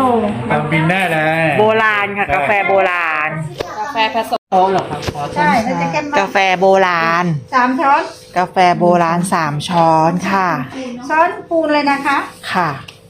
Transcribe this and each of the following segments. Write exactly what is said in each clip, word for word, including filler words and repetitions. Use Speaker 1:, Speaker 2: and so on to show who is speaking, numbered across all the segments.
Speaker 1: ทำบินได้เลย
Speaker 2: โบราณค่ะกาแฟโบราณ
Speaker 3: กาแฟผสม
Speaker 1: โอ้เหรอครับใช่แล้วจะแก้ม
Speaker 2: กาแฟโบราณ
Speaker 4: สามช้อน
Speaker 2: กาแฟโบราณสามช้อนค่ะ
Speaker 4: ช้อนปูนเลยนะคะ
Speaker 2: ค่ะ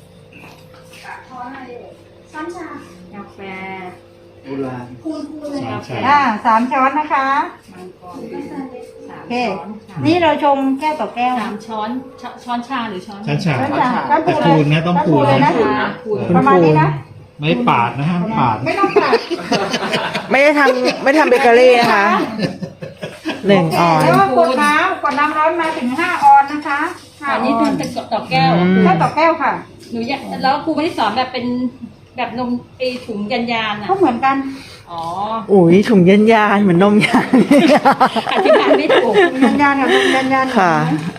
Speaker 4: ช้อนชากาแฟ
Speaker 1: โบราณ
Speaker 4: ปูนปูนเลยอ่าสามช้อนนะคะโอเคนี่เราชงแก้วต่อแก้ว
Speaker 3: สามช้อนช้อนชาหรือช้อน
Speaker 1: ช้อนชา
Speaker 4: ช้อนชาช้อน
Speaker 1: แต่ปูนนะต้องปูน
Speaker 4: เลยนะ
Speaker 1: นะ
Speaker 4: ประมาณนี้นะ
Speaker 1: ไม่ปาดนะฮะปาด
Speaker 4: ไม่ต้องปาด
Speaker 2: ไม่ได้ทำไม่ทำเบเกอรี่นะคะหนึ่งออน
Speaker 4: แล้วก็กดน้ำกดน้ำร้อนมาถึงห้าออนนะคะห้า
Speaker 3: อัน
Speaker 4: อ
Speaker 3: นี้
Speaker 4: อ
Speaker 3: คือน เป็นต่อแก้ว
Speaker 4: แก้วต่อแก้วค่ะ
Speaker 3: หนูอยากแล้วครูไม่ได้สอนแบบเป็นแบบนมไอถุงยันยานอ่ะ
Speaker 4: ก็เหมือนกัน
Speaker 3: อ๋อ
Speaker 2: อุ้ยถุงยันยานเหมือนนมยาน
Speaker 3: อธิบายไม่ถูก
Speaker 4: ยันยานกับยันยาน
Speaker 2: ค่ะ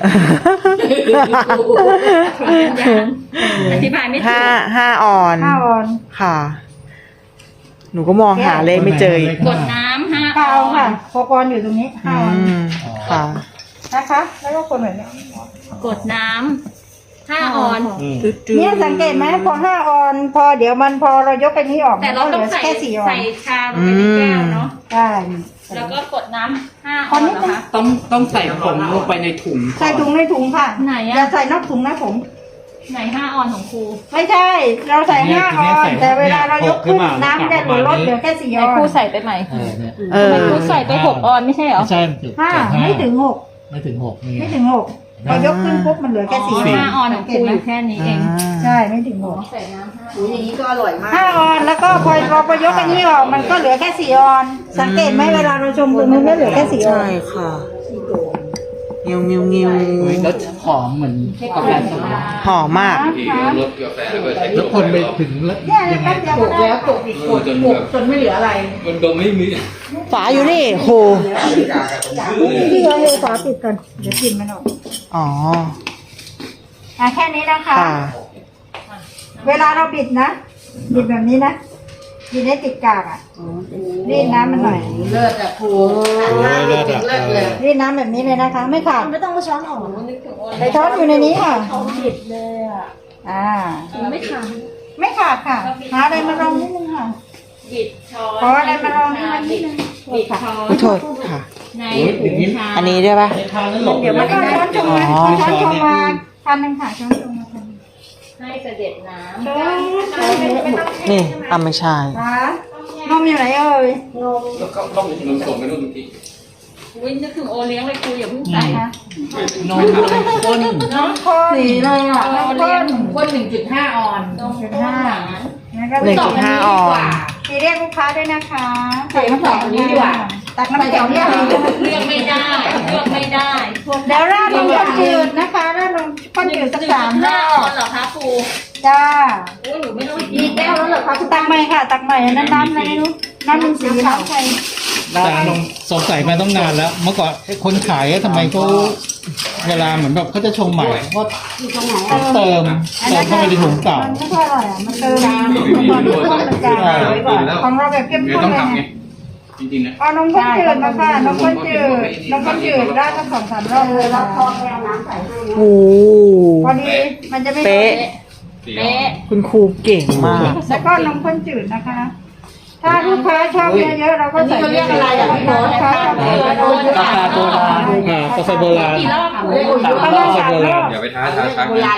Speaker 3: ถุงยันยานอธิบายไม่ถู
Speaker 2: ห้าก ห้าออน
Speaker 4: ห้าออน
Speaker 2: ค่ะ หนูก็มองหาเลขไม่เจออีก
Speaker 3: กดน้ำห้า
Speaker 4: เปล่าค่ะโปรกรอยู่ตรงนี้ห้าออน
Speaker 2: อืมค่ะ
Speaker 4: นะคะ แล้วก็คนแบบนี้
Speaker 3: กดน้ำห้าออน
Speaker 4: เนี่ยสังเกตไหมพอห้าออน พอเดี๋ยวมันพอเรายกไปนี้ออก
Speaker 3: แต่เราต้องใส่
Speaker 4: แค่สี่ออน
Speaker 3: ใส่ชาลงไปในแก้วเนาะ
Speaker 4: ใช่
Speaker 3: แล้วก็กดน้ำห้าออนเหรอคะ
Speaker 5: ต้องต้องใส่ผงลงไปในถุงก่อน
Speaker 4: ใส่ถุงในถุงค่ะ
Speaker 3: ไหนอะ
Speaker 4: อย่าใส่นอกถุงนะผม
Speaker 3: ไหนห้าออนของครู
Speaker 4: ไม่ใช่ เราใส่ห้าออน แต่เวลาเรายกขึ้นน้ำจะเหลือลดเหลือแค่สี่
Speaker 3: ไหน
Speaker 4: ออ
Speaker 3: ครู
Speaker 4: น
Speaker 3: ใส่ไปใหม่
Speaker 1: เออเนี่ย
Speaker 2: เออ
Speaker 3: ครูใส่ไปหกออนไม่ใช่เหรอ
Speaker 1: ไม่ใช่ถึง
Speaker 4: ห้าไม่ถึงหก
Speaker 1: ไม่ถึงหกนี่
Speaker 4: ไม่ถึงหกพอยกขึ้นปุ๊บมันเหลือแค่สี่
Speaker 3: ห้าออนของครูอยู่แค่นี้เอง
Speaker 4: ใช่ไม่ถึงหก
Speaker 3: ใส่น้ำห้า
Speaker 4: อุ้ยอย่างนี้ก็อร่อยมากห้าออนแล้วก็พอเราพอยกอันนี้ออกมันก็เหลือแค่สี่ออน สังเกตไหมเวลาเราชมตรงนู้นไม่เหลือแค่สี่ออ
Speaker 2: ใช่
Speaker 4: น
Speaker 2: ค่ะงิวงิวงิว
Speaker 5: แล้วหอมเหมือนกาแฟสด
Speaker 2: หอมมาก
Speaker 6: รสกาแฟแล้วก็ใช้
Speaker 1: แล้วคนไปถึงแล้ว
Speaker 4: เนี่ย
Speaker 1: ยังไง
Speaker 4: แป๊บเดียวก็ได้แล้วตกอีก
Speaker 6: กดจนแบบ
Speaker 4: จนไม่เหลืออะไร
Speaker 6: มันก็ไม่มี
Speaker 2: ฝาอยู่นี่ครู
Speaker 4: พี่เอาเลยฝาปิดก่อนเดี๋ยวกินมันออก
Speaker 2: อ๋อ
Speaker 4: อ่ะแค่นี้นะคะ
Speaker 2: ค่ะ
Speaker 4: เวลาเราบิดนะ บิดแบบนี้นะบิดให้ติดกากอ่ะรีดน้ำมันหน่อย
Speaker 1: โอ้ยเลิศอ่ะเออ
Speaker 4: รีดน้ำแบบนี้เลยนะคะ ไม่ขาด
Speaker 3: ไม่ต้องมาช้อนออกนึกถึงโอ
Speaker 4: ใส่ช้อนอยู่ในนี้ค่ะ
Speaker 3: ผิดเลยอ่ะ
Speaker 4: อ่า
Speaker 3: ไม่ขาด
Speaker 4: ไม่ขาดค่ะหาอะไรมารองนิดนึงค่ะ
Speaker 3: บิดช้อน
Speaker 4: ขออะไรมารองให้มันนิดนึง
Speaker 3: บิดช้อน
Speaker 2: ขอโทษค่ะ
Speaker 3: ในถุงชา
Speaker 2: อันนี้ได้ปะ
Speaker 4: เดี๋ยวมันก็ช้อนชงมา
Speaker 2: อ๋อ
Speaker 4: ช้อนชงมาพันหนึ่งค่ะช้อนชงมาพัน
Speaker 3: ให้เสด็จน้
Speaker 4: ช้อนช้อนไม่ต้อง
Speaker 2: นี่อ่ะไม่ใช่
Speaker 4: ค่ะนมอยู่ไหนเอ่ย
Speaker 6: แล้วก็ต้องนมส่งไปนู่นที
Speaker 3: ำวิ่งนึกถึงโอเลี้ยงเลยครูอย่าเพิ่งใส่
Speaker 4: ค่ะ
Speaker 5: นมข้น
Speaker 4: น้องคนสีเลยอ่ะ
Speaker 3: โอ
Speaker 4: น้องค
Speaker 3: เลี้ยง
Speaker 4: น
Speaker 3: ข้นหนึ่งจุดห้าออนนมข้นหวาน
Speaker 4: แล้วก็
Speaker 2: หนึ่งจุดห้าออน
Speaker 4: สีเรียกลูกค้าด้วยนะคะใส่น้ำแข็งนี้ดีกว่าตักน้ำแข็งเนี่ย
Speaker 3: เลือกไม่ได้เลือกไม่ได้
Speaker 4: เดี๋ยวราดนมข้นจืดนะคะราดนมข้นจืดสักสาม
Speaker 3: ห้าร
Speaker 4: อ
Speaker 3: อบ นเหรอคะครู
Speaker 4: จ้า
Speaker 3: โอ้หนูไม่ต้อง
Speaker 4: มีแก้วแล้วเหรอคะตักใหม่ค่ะ ตักใหม่น้ำน้ำอะไรไม่รู้น้ำมันสีน้ำใส่
Speaker 1: อาจารย์สงสัยมาต้องนานแล้ว เมื่อก่อนไอ้คนขายอะทำไมเขาเวลาเหมือนแบบเขาจะชงใหม่ก็ต้องเติมเติมเข้าไปในถุงเก่า
Speaker 4: มันไม่ค่อยอร่อยอ่ะมันเติมน้ำมันข้นมันจางของเราแบบเข้ม
Speaker 6: เดี๋ยว
Speaker 4: ข้น
Speaker 6: ต้อง
Speaker 4: เลย
Speaker 6: ทำไง
Speaker 4: เนี่ย
Speaker 6: จริงๆนะ
Speaker 4: เอานมข้นจืดมาค่ะนมข้นจืดนมข้นจืดราดสักสองสามรอบเลยแล้วพอไปเอาน้ำใส่ให้
Speaker 2: โอ้
Speaker 4: พอดีมันจะไม่
Speaker 2: เป๊ะ
Speaker 3: เป๊ะ
Speaker 2: คุณครูเก่งมาก
Speaker 4: แล้วก็นมข้นจืดนะคะ ถ้าลูกค้าชอบเยอะๆเราก็ใส่เยอะๆลูกค้าชอบเยอะๆเราเยอะ
Speaker 5: กาแฟโบราณ
Speaker 1: อ่ากาแฟโบราณ
Speaker 3: กี่รอบครู
Speaker 4: ประมาณสามรอบ
Speaker 6: อย่าไปท้าท้าชักนะ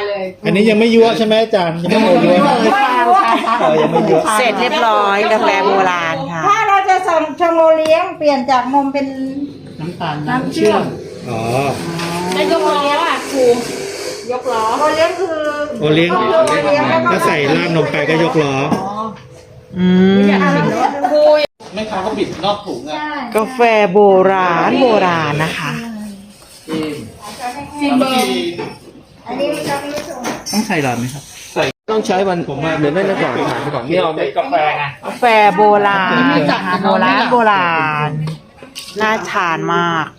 Speaker 1: อันนี้ยังไม่ยั่วใช่ไหมอาจารย์ยังไม่โมยั่วเออยังไม่ยั่ว
Speaker 2: เสร็จเรียบร้อยกาแฟโบราณค่ะ
Speaker 4: ถ้าเราจะสั่งชงโอเลี้ยงเปลี่ยนจากนมเป็น
Speaker 5: น้ำตาล
Speaker 4: น้ำเชื่อม
Speaker 1: อ๋อ
Speaker 3: แล้วยกล้ออ่ะครูยกล้อ
Speaker 4: โอเลี้ยงคือ
Speaker 1: โอเลี้ยง
Speaker 4: โอเลี้ยงแล้วก็
Speaker 1: ถ้าใส่ราดนมไปก็ยกล้อ
Speaker 2: อืม
Speaker 3: ครู
Speaker 5: แม่ค้าเขาบิดนอกถุงอ่ะ
Speaker 4: ใช่
Speaker 2: กาแฟโบราณโบราณนะคะ
Speaker 5: ซิมเบอร์
Speaker 4: อันนี้เราไม่รู้ชง
Speaker 5: ต้องใส่หลอดไหมครับ
Speaker 6: ต้องใช้วันผมมาเดี๋ยวได้ก่อนถ่ายไปก่อนนี่เอาไปกาแฟไง
Speaker 2: กาแฟโบราณนะคะโบราณโบราณน่าทานมาก